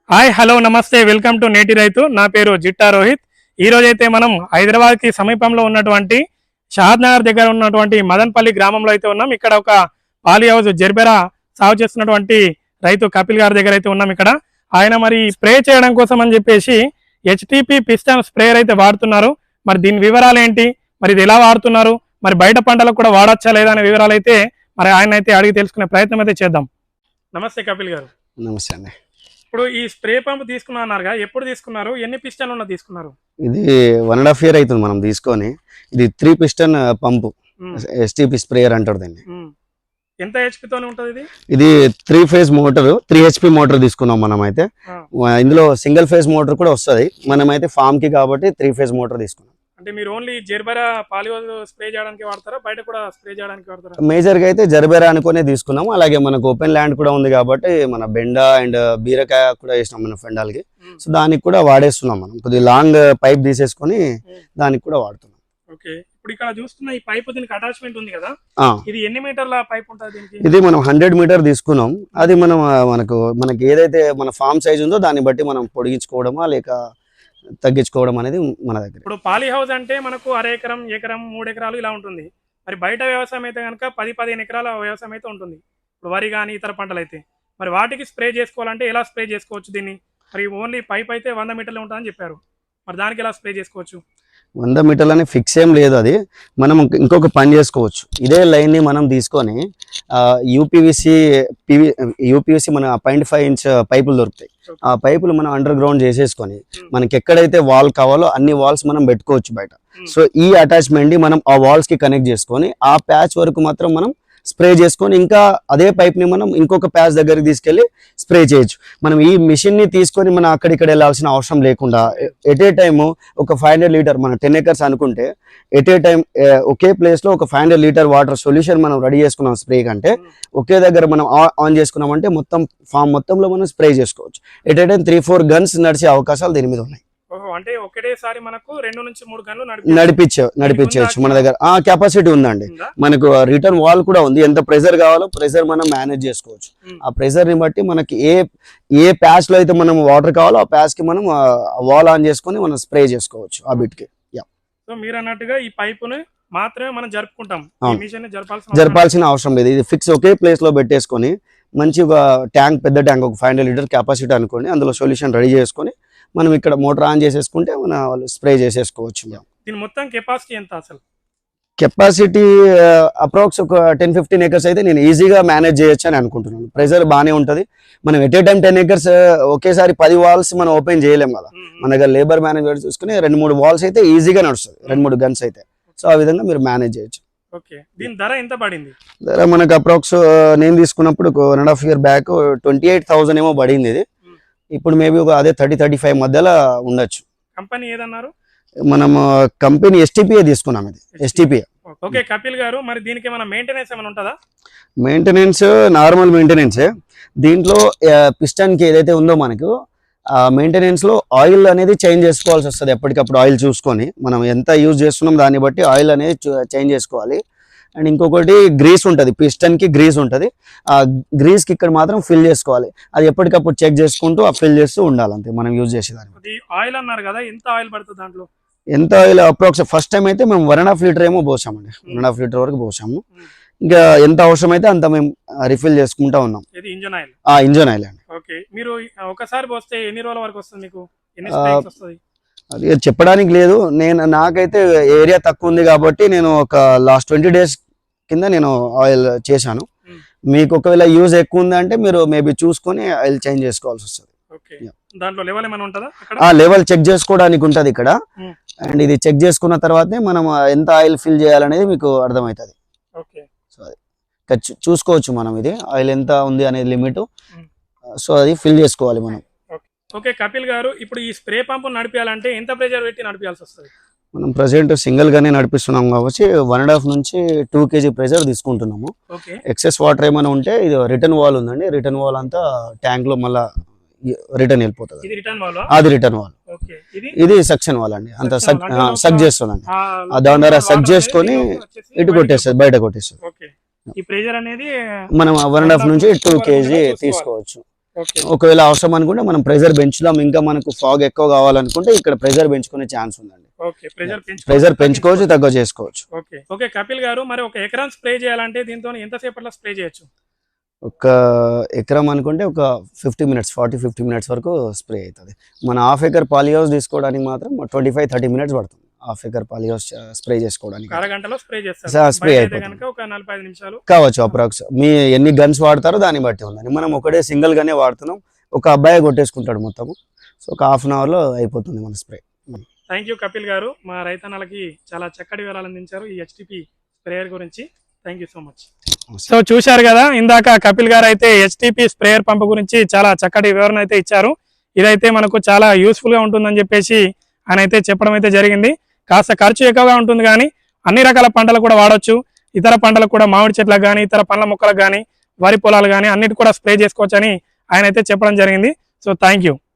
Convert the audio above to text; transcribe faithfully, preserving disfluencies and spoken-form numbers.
Hi hello నమస్తే welcome to నేటి రైతు. నా పేరు జిట్టా రోహిత్. ఈ రోజు అయితే మనం హైదరాబాద్ కి సమీపంలో ఉన్నటువంటి షాద్ నగర్ దగ్గర ఉన్నటువంటి మదన్పల్లి గ్రామంలో అయితే ఉన్నాం. ఇక్కడ ఒక పాలి హౌస్ జెర్బెరా సాగు చేస్తున్నటువంటి రైతు కపిల్ గారి దగ్గర అయితే ఉన్నాం. ఇక్కడ ఆయన మరి స్ప్రే చేయడం కోసం అని చెప్పేసి హెచ్టిపి పిస్టన్ స్ప్రేయర్ అయితే వాడుతున్నారు. మరి దీని వివరాలు ఏంటి, మరి ఇది ఎలా వాడుతున్నారు, మరి బయట పంటలకు కూడా వాడచ్చా లేదా అనే వివరాలు అయితే మరి ఆయన అయితే అడిగి తెలుసుకునే ప్రయత్నం అయితే చేద్దాం. నమస్తే కపిల్ గారు. నమస్తే అండి. ఇప్పుడు ఈ స్ప్రే పంప్ తీసుకున్నారుగా, ఎప్పుడు తీసుకున్నారు, ఎన్ని పిస్టన్లు ఉన్న తీసుకున్నారు? ఇది వన్ అండ్ హాఫ్ ఇయర్ అవుతుంది మనం తీసుకొని. ఇది three piston pump, STP sprayer అంటారు దీన్ని. ఎంత హెచ్పి తోనే ఉంటది ఇది? ఇది three phase motor, three HP motor తీసుకున్నాం మనం అయితే. ఇందులో సింగిల్ ఫేజ్ మోటార్ కూడా వస్తుంది. మనం అయితే ఫామ్ కి కాబట్టి త్రీ ఫేజ్ మోటార్ తీసుకున్నాం. అంటే మీరు ఓన్లీ జెర్బెరా పాలిహౌస్ స్ప్రే చేయడానికి వాడతారా, బయట కూడా స్ప్రే చేయడానికి వాడతారా? మేజర్ గా అయితే జెర్బెరా అనుకునే తీసుకున్నాం. అలాగే మనకు ఓపెన్ ల్యాండ్ కూడా ఉంది కాబట్టి మన బెండ అండ్ బీరకాయ కూడా వేసినాం మన ఫెండాల్కి. సో దానికి కూడా వాడేస్తున్నాం. మనం కొద్దిగా లాంగ్ పైప్ తీసేసుకొని దానికి కూడా వాడుతున్నాం. ఓకే, ఇప్పుడు ఇక్కడ చూస్తున్న ఈ పైప్ దీనికి అటాచ్మెంట్ ఉంది కదా, ఇది ఎన్ని మీటర్ల పైప్ ఉంటుంది దీనికి? ఇది మనం హండ్రెడ్ మీటర్ తీసుకున్నాం. అది మనం మనకు మనకి ఏదైతే మన ఫామ్ సైజ్ ఉందో దాన్ని బట్టి మనం పొడిగించుకోవడమా లేక తగ్గించుకోవడం అనేది మన దగ్గర. ఇప్పుడు పాలి హౌస్ అంటే మనకు అర ఎకరం, ఎకరం, మూడు ఎకరాలు ఇలా ఉంటుంది. మరి బయట వ్యవసాయం అయితే కనుక పది పదిహేను ఎకరాల వ్యవసాయం అయితే ఉంటుంది. ఇప్పుడు వరి కానీ ఇతర పంటలు అయితే మరి వాటికి స్ప్రే చేసుకోవాలంటే ఎలా స్ప్రే చేసుకోవచ్చు దీన్ని? మరి ఓన్లీ పైప్ అయితే వంద మీటర్లు ఉంటుందని చెప్పారు. మరి దానికి ఎలా స్ప్రే చేసుకోవచ్చు? వంద మీటర్లు అని ఫిక్స్ ఏం లేదు. అది మనం ఇంకొక పని చేసుకోవచ్చు. ఇదే లైన్ ని మనం తీసుకొని యూపీవీసీ పివి యూపీవీసీ మన పాయింట్ ఫైవ్ ఇంచ్ పైపులు దొరుకుతాయి. ఆ పైపులు మనం అండర్ గ్రౌండ్ చేసేసుకొని మనకి ఎక్కడైతే వాల్ కావాలో అన్ని వాల్స్ మనం పెట్టుకోవచ్చు బయట. సో ఈ అటాచ్మెంట్ ని మనం ఆ వాల్స్ కి కనెక్ట్ చేసుకొని ఆ ప్యాచ్ వరకు మాత్రం మనం స్ప్రే చేసుకొని ఇంకా అదే పైప్ ని మనం ఇంకొక ప్యాచ్ దగ్గరికి తీసుకెళ్లి స్ప్రే చేయొచ్చు. మనం ఈ మిషన్ ని తీసుకొని మనం అక్కడిక్కడ వెళ్ళాల్సిన అవసరం లేకుండా ఎట్ ఏ టైమ్ ఒక ఫైవ్ హండ్రెడ్ లీటర్ మన టెన్ ఎకర్స్ అనుకుంటే ఎట్ ఏ టైం ఒకే ప్లేస్ లో ఒక five hundred litre water solution మనం రెడీ చేసుకున్నాం స్ప్రే కంటే ఒకే దగ్గర మనం ఆన్ చేసుకున్నామంటే మొత్తం ఫామ్ మొత్తంలో మనం స్ప్రే చేసుకోవచ్చు. At a time three four guns నడిచే అవకాశాలు దీని మీద ఉన్నాయి. అంటే ఒకటేసారి మనకు రెండు నుంచి మూడు గంటలు నడిపించే నడిపించవచ్చు. మన దగ్గర ఆ కెపాసిటీ ఉందండి. మనకు రిటర్న్ వాల్ కూడా ఉంది. ఎంత ప్రెషర్ కావాలో ప్రెషర్ మనం మేనేజ్ చేసుకోవచ్చు. ఆ ప్రెషర్ ని బట్టి మనకి ఏ ఏ ప్యాచ్ లో అయితే మనం వాటర్ కావాలో ఆ ప్యాచ్ కి మనం వాల్ ఆన్ చేసుకొని మనం స్ప్రే చేసుకోవచ్చు ఆ బిట్ కి. సో మీరు అన్నట్టుగా ఈ పైపుని మాత్రమే మనం జరుపుకుంటాం, జరపాల్సిన అవసరం లేదు. ఇది ఫిక్స్ ఒకే ప్లేస్ లో పెట్టేసుకొని మంచి ఒక ట్యాంక్, పెద్ద ట్యాంక్ ఒక ఫైవ్ హండ్రెడ్ లీటర్ కెపాసిటీ అనుకోండి, అందులో సొల్యూషన్ రెడీ చేసుకొని మనం ఇక్కడ మోటార్ ఆన్ చేసేసుకుంటే మన వాళ్ళు స్ప్రే చేసేసుకోవచ్చు. దీని మొత్తం కెపాసిటీ ఎంత అసలు? కెపాసిటీ అప్రాక్స్ ఒక టెన్ ఫిఫ్టీన్ ఎకర్స్ అయితే నేను ఈజీగా మేనేజ్ చేయొచ్చు అని అనుకుంటున్నాను. ప్రెజర్ బాగానే ఉంటుంది. మనం at a time ten acres ఒకేసారి పది వాల్స్ మనం ఓపెన్ చేయలేం కదా. మన దగ్గర లేబర్ మేనేజ్మెంట్ చూసుకుని రెండు మూడు వాల్స్ అయితే ఈజీగా నడుస్తుంది, రెండు మూడు గన్స్ అయితే. సో ఆ విధంగా మీరు మేనేజ్ చేయొచ్చు. ఓకే, దీని ధర ఎంత పడింది? ధర మనకు అప్రాక్స్ నేను తీసుకున్నప్పుడు one and half year back twenty eight thousand ఏమో పడింది. ఇది ఇప్పుడు మేబీ ఒక అదే థర్టీ థర్టీ ఫైవ్ మధ్యలో ఉండొచ్చు. కంపెనీ ఏదన్నారు? మనం కంపెనీ ఎస్టిపిఏ తీసుకున్నాం. ఇది ఎస్టిపిఏ. ఓకే కపిల్ గారు, మరి దీనికి ఏమైనా మెయింటెనెన్స్ ఏమైనా ఉంటుందా? మెయింటెనెన్స్ నార్మల్ మెయింటెనెన్సే. దీంట్లో పిస్టన్ కి ఏదైతే ఉందో మనకు ఆ మెయింటెనెన్స్ లో ఆయిల్ అనేది చేంజ్ చేసుకోవాల్సి వస్తుంది. ఎప్పటికప్పుడు ఆయిల్ చూసుకొని మనం ఎంత యూజ్ చేస్తున్నాం దాన్ని బట్టి ఆయిల్ అనేది చేంజ్ చేసుకోవాలి. అండ్ ఇంకొకటి గ్రీస్ ఉంటుంది, పిస్టన్ కి గ్రీస్ ఉంటుంది. ఆ గ్రీస్ కి ఇక్కడ మాత్రం ఫిల్ చేసుకోవాలి. అది ఎప్పటికప్పుడు చెక్ చేసుకుంటూ ఆ ఫిల్ చేస్తూ ఉండాలి, అంతే మనం యూజ్ చేసేదాన్ని. ఆయిల్ అన్నారు కదా, ఎంత ఆయిల్ పడుతుంది దాంట్లో? ఎంత ఆయిల్ అప్రాక్స్ ఫస్ట్ టైం అయితే మేము వన్ అండ్ హాఫ్ లీటర్ ఏమో పోసామండి. వన్ అండ్ హాఫ్ లీటర్ వరకు పోసాము. ఇంకా ఎంత అవసరం అయితే అంత మేము రిఫిల్ చేసుకుంటా ఉన్నాం. Engine oil? ఆ ఇంజన్ ఆయిల్ అండి. ఓకే, మీరు ఒకసారి పోస్తే ఎన్ని రోజుల వరకు వస్తుంది మీకు? అది చెప్పడానికి లేదు. నేను నాకైతే ఏరియా తక్కువ ఉంది కాబట్టి నేను ఒక లాస్ట్ ట్వంటీ డేస్ కింద నేను ఆయిల్ చేశాను. మీకు ఒకవేళ యూజ్ ఎక్కువ ఉంది అంటే మీరు మేబీ చూసుకొని ఆయిల్ చేంజ్ చేసుకోవాల్సి వస్తుంది. ఆ లెవెల్ చెక్ చేసుకోవడానికి ఉంటది ఇక్కడ. అండ్ ఇది చెక్ చేసుకున్న తర్వాతనే మనం ఎంత ఆయిల్ ఫిల్ చేయాలనేది మీకు అర్థమవుతుంది. సో అది చూసుకోవచ్చు మనం, ఇది ఆయిల్ ఎంత ఉంది అనేది లిమిట్. సో అది ఫిల్ చేసుకోవాలి మనం. ఓకే కపిల్ గారు, ఇప్పుడు ఈ స్ప్రే పంప్ నడిపించాలంటే ఎంత ప్రెషర్ పెట్టి నడిపించాల్సి వస్తుంది? మనం ప్రెసెంట్ సింగిల్ గానే నడిపిస్తున్నాం కాబట్టి వన్ అండ్ హాఫ్ నుంచి టూ కేజీ ప్రెషర్ తీసుకుంటున్నాము. ఎక్సెస్ వాటర్ ఏమైనా ఉంటే ఇది రిటర్న్ వాల్ ఉందండి, రిటర్న్ వాల్ అంతా ట్యాంక్ లో మళ్ళా రిటర్న్ వెళ్ళిపోతుంది. అది రిటర్న్ వాల్. ఇది సక్షన్ వాల్ అండి, అంత సక్ చేస్తుందండి. దాని ద్వారా సక్ చేసుకొని ఇటు కొట్టేస్తుంది, బయట కొట్టేస్తుంది. మనం వన్ అండ్ హాఫ్ నుంచి టూ కేజీ తీసుకోవచ్చు. ఓకే ఒకవేళ అవసరం అనుకుంటే మనం ప్రెజర్ పెంచుదాం, ఇంకా మనకు ఫాగ్ ఎక్కువ కావాలనుకుంటే ఇక్కడ ప్రెజర్ పెంచుకునే ఛాన్స్ ఉందండి. ఓకే ప్రెజర్ పెంచు ప్రెజర్ పెంచుకోవచ్చు, తక్కువ చేసుకోవచ్చు. ఓకే ఓకే కపిల్ గారు, మరి ఒక ఎకరం స్ప్రే చేయాలంటే దీంతో ఎంతసేపట్లో స్ప్రే చేయొచ్చు? ఒక ఎకరం అనుకుంటే ఒక fifty minutes forty fifty minutes వరకు స్ప్రే అవుతుంది. మన హాఫ్ ఎకర్ పాలీ హౌస్ తీసుకోవడానికి మాత్రం ట్వంటీ ఫైవ్ థర్టీ మినిట్స్ పడుతుంది half acre polyhouse spray చేసుకోవడానికి. అరగంటలో స్ప్రే చేస్తారు, స్ప్రే బయట అయితే అయిపోతుంది గనుక ఒక నలభై ఐదు నిమిషాలు కావచ్చు అప్రాక్స్. మీ ఎన్ని గన్స్ వాడతారో దాన్ని బట్టి ఉందని. మనం ఒకటే సింగిల్ గానే వాడుతున్నాం, ఒక అబ్బాయి కొట్టేసుకుంటాడు మొత్తము. సో ఒక హాఫ్ అన్ అవర్ లో అయిపోతుంది మన స్ప్రే. థ్యాంక్ యూ కపిల్ గారు, మా రైతన్నలకి చాలా చక్కటి వివరాలు అందించారు ఈ హెచ్టిపి స్ప్రేయర్ గురించి. Thank you so much. So చూశారు కదా, ఇందాక కపిల్ గారు అయితే హెచ్టిపి స్ప్రేయర్ పంప్ గురించి చాలా చక్కటి వివరణ అయితే ఇచ్చారు. ఇదైతే మనకు చాలా యూస్ఫుల్ గా ఉంటుందని చెప్పేసి ఆయన అయితే చెప్పడం అయితే జరిగింది. కాస్త ఖర్చు ఎక్కువగా ఉంటుంది కానీ అన్ని రకాల పంటలు కూడా వాడొచ్చు. ఇతర పంటలకు కూడా, మామిడి చెట్లకు కానీ, ఇతర పండ్ల మొక్కలకు కానీ, వరి పొలాలు కానీ అన్నిటి కూడా స్ప్రే చేసుకోవచ్చు అని ఆయన అయితే చెప్పడం జరిగింది. So thank you.